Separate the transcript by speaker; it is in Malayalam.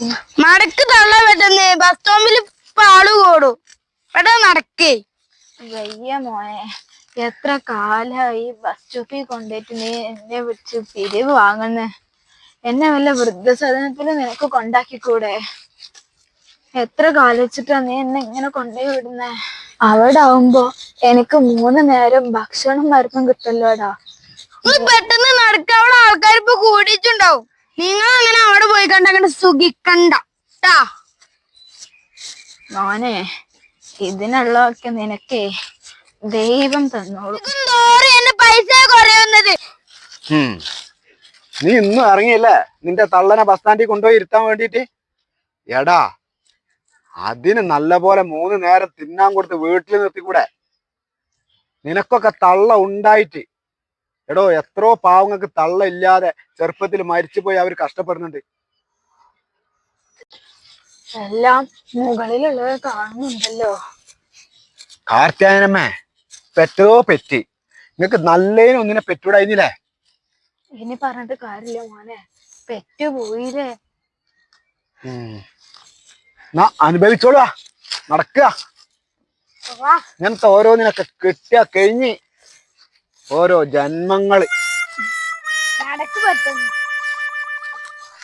Speaker 1: നടക്ക് തള്ള പറ്റുന്നേ ബസ് സ്റ്റോപ്പിൽ ആള് കൂടും പെട്ടെന്ന് നടക്കേ.
Speaker 2: വയ്യ മോനെ, എത്ര കാലായി ബസ് സ്റ്റോപ്പിൽ കൊണ്ടുപോയിട്ട് നീ എന്നെ വിളിച്ച് പിരിവ് വാങ്ങുന്നേ. എന്നെ വല്ല വൃദ്ധസദനത്തിൽ നിനക്ക് കൊണ്ടാക്കിക്കൂടെ? എത്ര കാലിച്ചിട്ടാ നീ എന്നെ ഇങ്ങനെ കൊണ്ടുപോയി വിടുന്നേ? അവിടെ ആവുമ്പോ എനിക്ക് 3 നേരം ഭക്ഷണം മരുന്നും കിട്ടല്ലോടാ.
Speaker 1: പെട്ടെന്ന് നടക്ക, അവിടെ ആൾക്കാർ ഇപ്പൊ കൂടിയിട്ടുണ്ടാവും. നിങ്ങൾ അങ്ങനെ അവിടെ പോയി കണ്ടങ്ങനെ സുഖിക്കണ്ട ട്ടാ.
Speaker 2: മോനെ, ഇതിനുള്ളതൊക്കെ നിനക്കേ ദൈവം തന്നോളൂ.
Speaker 1: എന്നെ പൈസ കുറയുന്നത്.
Speaker 3: നീ ഇന്നും ഇറങ്ങിയില്ലേ നിന്റെ തള്ളനെ ബസ് സ്റ്റാൻഡിൽ കൊണ്ടുപോയി ഇരുത്താൻ വേണ്ടിട്ട്? എടാ, അതിന് നല്ല പോലെ 3 നേരം തിന്നാൻ കൊടുത്ത് വീട്ടിൽ നിർത്തിക്കൂടെ? നിനക്കൊക്കെ തള്ള ഉണ്ടായിട്ട് എടോ, എത്രയോ പാവങ്ങൾക്ക് തള്ള ഇല്ലാതെ ചെറുപ്പത്തിൽ മരിച്ചുപോയി അവർ കഷ്ടപ്പെടുന്നുണ്ട്.
Speaker 2: എല്ലാം മുകളിലുള്ളത് കാണുന്നുണ്ടല്ലോ.
Speaker 3: കാർത്തിയായനമ്മേ, പെറ്റതോ പെറ്റി. നിങ്ങക്ക് നല്ലതിനും ഒന്നിനെ പെറ്റൂടായിരുന്നില്ലേ?
Speaker 2: ഇനി പറഞ്ഞിട്ട് കാര്യമില്ല മോനെ, പെറ്റുപോയില്ലേ.
Speaker 3: അനുഭവിച്ചോളുക, നടക്കുക. ഇങ്ങനത്തെ ഓരോന്നിനൊക്കെ കിട്ടിയ കഴിഞ്ഞ് ഓരോ ജന്മങ്ങള്
Speaker 2: നടക്ക് പറ്റുന്നു.